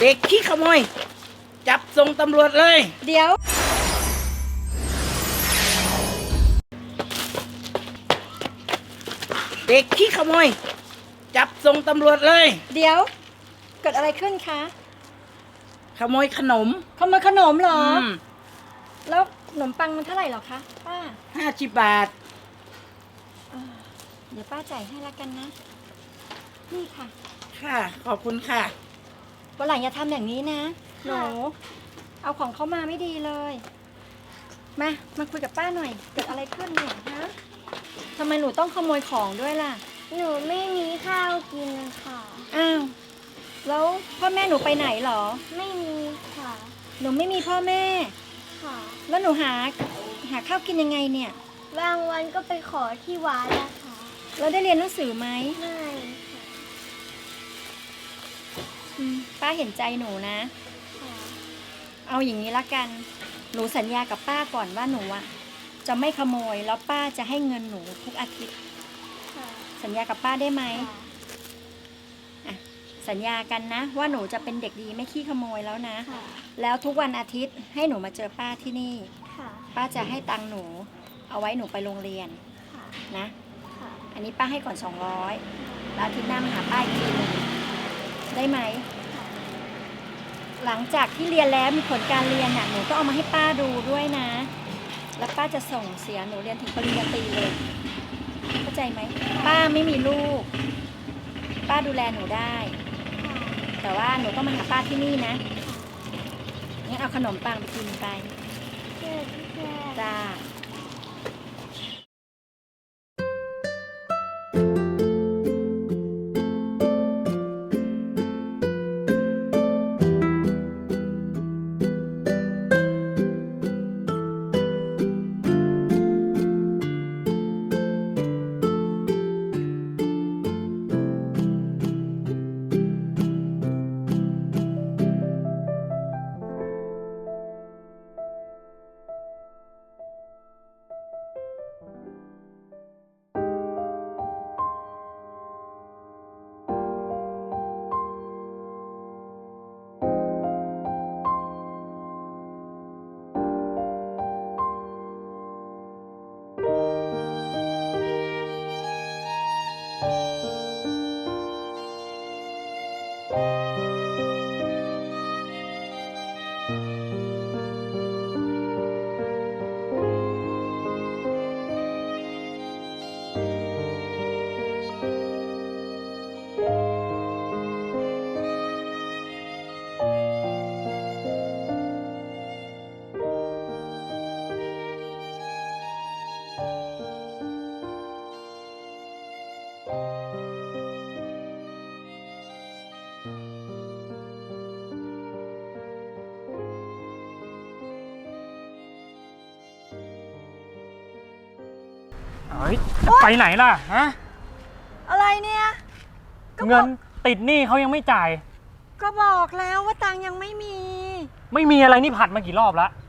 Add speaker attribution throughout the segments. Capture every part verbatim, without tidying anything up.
Speaker 1: เด็กขี้ขโมยจับส่งตำรวจเลย
Speaker 2: เดี๋ยว
Speaker 1: เด็กขี้ขโมยจับส่งตำรวจเลย
Speaker 2: เดี๋ยวเกิดอะไรขึ้นคะ
Speaker 1: ขโมยขนม
Speaker 2: ขโมยขนมเหรอ
Speaker 1: อืม
Speaker 2: แล้วขนมปังมันเท่าไหร่หรอคะป้า
Speaker 1: ห้าสิบบาท
Speaker 2: เดี๋ยวป้าจ่ายให้ละกันนะนี่ค่ะ
Speaker 1: ค่ะขอบคุณค่ะ
Speaker 2: วันหลังอย่าทำอย่างนี้นะหนูเอาของเขามาไม่ดีเลยมามาคุยกับป้าหน่อยเกิดอะไรขึ้นเนี่ยฮะทำไมหนูต้องขโมยของด้วยล่ะ
Speaker 3: หนูไม่มีข้าวกินค่ะ
Speaker 2: อ้าวแล้วพ่อแม่หนูไปไหนหรอ
Speaker 3: ไม่มีค่ะ
Speaker 2: หนูไม่มีพ่อแม่
Speaker 3: ค่ะ
Speaker 2: แล้วหนูหาหาข้าวกินยังไงเนี่ย
Speaker 3: บางวันก็ไปขอที่วัดนะคะ
Speaker 2: แล้วได้เรียนหนังสือไหม
Speaker 3: ไม่
Speaker 2: ค่ะป้าเห็นใจหนูนะเอาอย่างนี้ละกันหนูสัญญากับป้าก่อนว่าหนูอะจะไม่ขโมยแล้วป้าจะให้เงินหนูทุกอาทิตย์สัญญากับป้าได้ไหมอ่ะสัญญากันนะว่าหนูจะเป็นเด็กดีไม่ขี้ขโมยแล้วนะแล้วทุกวันอาทิตย์ให้หนูมาเจอป้าที่นี่ป้าจะให้ตังค์หนูเอาไว้หนูไปโรงเรียนนะอันนี้ป้าให้ก่อนสองร้อยแล้วอาทิตย์หน้ามาหาป้าอีกทีหนึ่งได้ไหมหลังจากที่เรียนแล้วมีผลการเรียนน่ะหนูก็เอามาให้ป้าดูด้วยนะแล้วป้าจะส่งเสียหนูเรียนถึงปริญญาตรีเลยเข้าใจไหมป้าไม่มีลูกป้าดูแลหนูได้แต่ว่าหนูต้องมาหาป้าที่นี่นะงั้นเอาขนมปังไปกินไปจ้า
Speaker 4: เฮ้ยจะไปไหนล่ะฮะ
Speaker 2: อะไรเนี่ย
Speaker 4: เงินติดหนี้เขายังไม่จ่าย
Speaker 2: ก็บอกแล้วว่าตังยังไม่มี
Speaker 4: ไม่มีอะไรนี่ผัดมากี่รอบแล้ว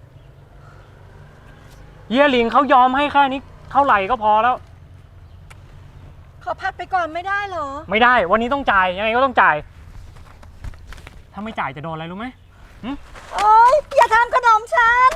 Speaker 4: เยี่ยหลิงเขายอมให้แค่นี้เท่าไหร่ก็พอแล้ว
Speaker 2: ขอพัดไปก่อนไม่ได้เหรอ
Speaker 4: ไม่ได้วันนี้ต้องจ่ายยังไงก็ต้องจ่ายถ้าไม่จ่ายจะโดนอะไรรู้ไหม
Speaker 2: โอ๊ยอย่าทำขนมฉัน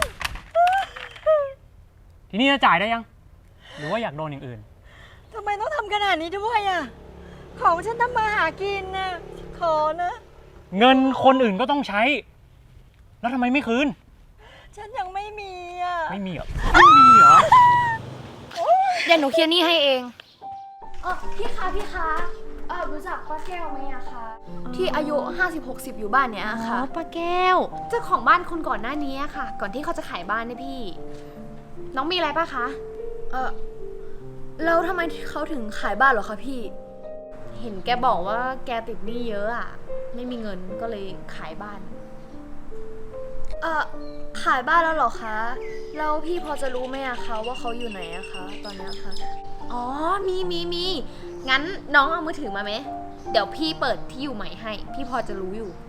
Speaker 4: ทีนี้จะจ่ายได้ยังหรือว่าอยากโดนอย่างอื่น
Speaker 2: ทำไมต้องทำขนาดนี้ด้วยอ่ะของฉันทำมาหากินนะขอนะ
Speaker 4: เงินคนอื่นก็ต้องใช้แล้วทำไมไม่คืน
Speaker 2: ฉันยังไม่มีอ่ะ
Speaker 4: ไม่มีเหรอไม่มีเหรอ
Speaker 5: เดี๋ยวหนูเคลียร์หนี้ให้เอง
Speaker 3: เออพี่คะพี่คะเออรู้จักป้าแก้วไหมอะคะ
Speaker 5: ที่อายุ ห้าสิบหกสิบ อยู่บ้านเนี้ยค่ะ
Speaker 2: อ๋อป้าแก้ว
Speaker 5: เจ้าของบ้านคนก่อนหน้านี้ค่ะก่อนที่เขาจะขายบ้านเนี่ยพี่น้องมีอะไรป่ะคะ
Speaker 6: เออแล้วทำไมเขาถึงขายบ้านเหรอคะพี่
Speaker 5: เห็นแกบอกว่าแกติดหนี้เยอะอ่ะไม่มีเงินก็เลยขายบ้าน
Speaker 6: เออขายบ้านแล้วเหรอคะแล้วพี่พอจะรู้ไหมอะคะว่าเขาอยู่ไหนอะคะตอนนี้ค่ะ
Speaker 5: อ๋อมีมีมีงั้นน้องเอามือถือมาไหมเดี๋ยวพี่เปิดที่อยู่ใหม่ให้พี่พอจะรู้อยู่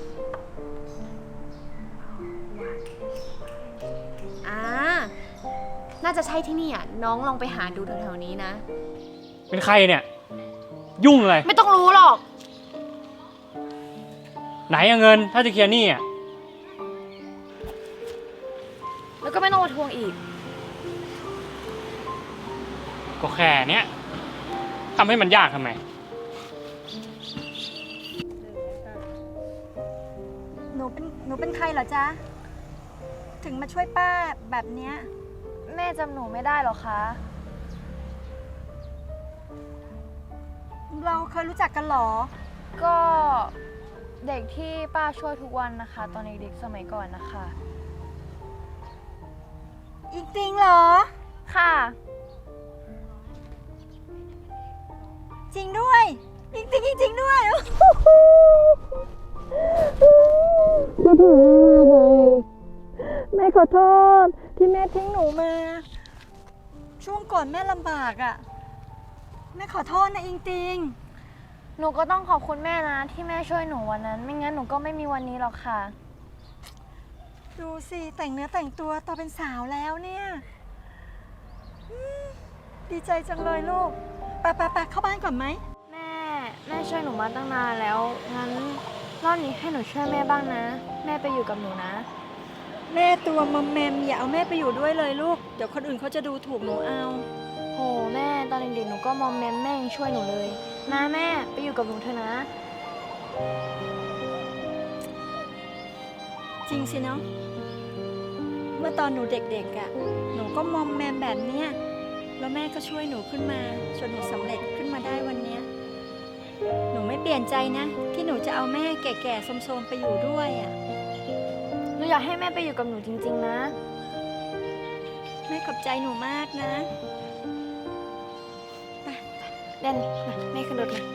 Speaker 5: อ่าน่าจะใช่ที่นี่อ่ะน้องลองไปหาดูแถวๆนี้นะ
Speaker 4: เป็นใครเนี่ยยุ่งเลย
Speaker 5: ไม่ต้องรู้หรอก
Speaker 4: ไหนอะเงิน ถ้าจะเคลียร์หนี้อะ
Speaker 5: แล้วก็ไม่ต้องมาทวงอีก
Speaker 4: ก็แค่เนี้ยทำให้มันยากทำไม
Speaker 2: หนูเป็นหนูเป็นใครเหรอจ๊ะ ถึงมาช่วยป้าแบบเนี้ย
Speaker 6: แม่จำหนูไม่ได้หรอคะ
Speaker 2: เราเคยรู้จักกันเหรอ
Speaker 6: ก็เด็กที่ป้าช่วยทุกวันนะคะ ตอนเด็กๆสมัยก่อนนะคะ
Speaker 2: อีกจริงเหรอ
Speaker 6: ค่ะ
Speaker 2: จริงด้วยจริงจริงจริงด้วยแม่ขอโทษที่แม่ทิ้งหนูมา ช่วงก่อนแม่ลำบากอะ่ะ แม่ขอโทษนะอิงติง
Speaker 6: หนูก็ต้องขอบคุณแม่นะ ที่แม่ช่วยหนูวันนั้น ไม่งั้นหนูก็ไม่มีวันนี้หรอกค่ะ
Speaker 2: ดูสิแต่งเนื้อแต่งตัวโตเป็นสาวแล้วเนี่ยอืมดีใจจังเลยลูกไปไปไปเข้าบ้านก่อนไหม
Speaker 6: แม่แม่ช่วยหนูมาตั้งนานแล้ว งั้นรอบนี้ให้หนูช่วยแม่บ้างนะ แม่ไปอยู่กับหนูนะ
Speaker 2: แม่ตัวมอมแมมอย่าเอาแม่ไปอยู่ด้วยเลยลูกเดี๋ยวคนอื่นเขาจะดูถูกหนูเอา
Speaker 6: โหแม่ตอนเด็กๆหนูก็มอมแมมแม่ยังช่วยหนูเลยนะแม่ไปอยู่กับหนูเถอะนะ
Speaker 2: จริงสิเนาะเมื่อตอนหนูเด็กๆอะ่ะหนูก็มอมแมมแบบเนี้ยแล้วแม่ก็ช่วยหนูขึ้นมาจนหนูสำเร็จขึ้นมาได้วันเนี้ยหนูไม่เปลี่ยนใจนะ ที่หนูจะเอาแม่แก่ๆโทรมๆไปอยู่ด้วยอะ่ะ
Speaker 6: หนูอยากให้แม่ไปอยู่กับหนูจริงๆนะ
Speaker 2: แม่ขอบใจหนูมากนะ
Speaker 6: เด่นมาแม่ขึ้นรถมา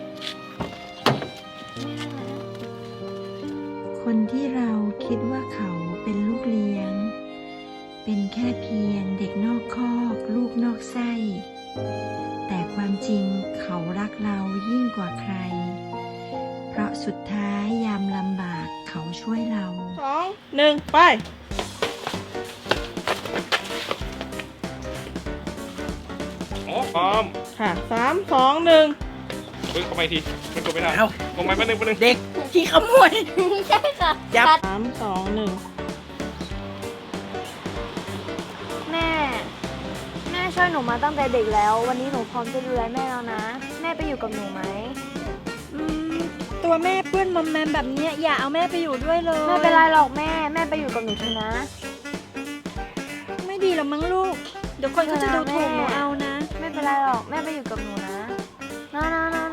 Speaker 7: คนที่เราคิดว่าเขาเป็นลูกเลี้ยง เป็นแค่เพียงเด็กนอกคอกลูกนอกไส้ แต่ความจริงเขารักเรายิ่งกว่าใคร เพราะสุดท้ายยามลำบากเขาช่วยเรา
Speaker 1: สองหนึ่งไป
Speaker 8: โอ้พร้อม
Speaker 1: ค่ะสามสองหนึ่ง
Speaker 8: เฮ้ยเข้ามาอีกทีมันกดไม่ได้
Speaker 1: เอา
Speaker 8: ลงไปแป๊บนึงแป๊บนึง
Speaker 1: เด็กที่ขโมย
Speaker 6: ใช่ค่ะ
Speaker 1: จับสามสองหนึ่ง
Speaker 6: แม่ แม่ช่วยหนูมาตั้งแต่เด็กแล้ว วันนี้หนูพร้อมจะดูแลแม่แล้วนะ แม่ไปอยู่กับหนูไหม
Speaker 2: อืมตัวแม่เปื้อนมอมแมมแบบเนี้ยอย่าเอาแม่ไปอยู่ด้วยเลย
Speaker 6: ไม่เป็นไรหรอกแม่ แม่ไปอยู่กับหนูเถอะนะ
Speaker 2: ไม่ดีหรอกมั้งลูก เดี๋ยวคนเขาจะดูถูกหนูเอานะ
Speaker 6: ไม่เป็นไรหรอกแม่ไปอยู่กับหนูนะนะนะนะ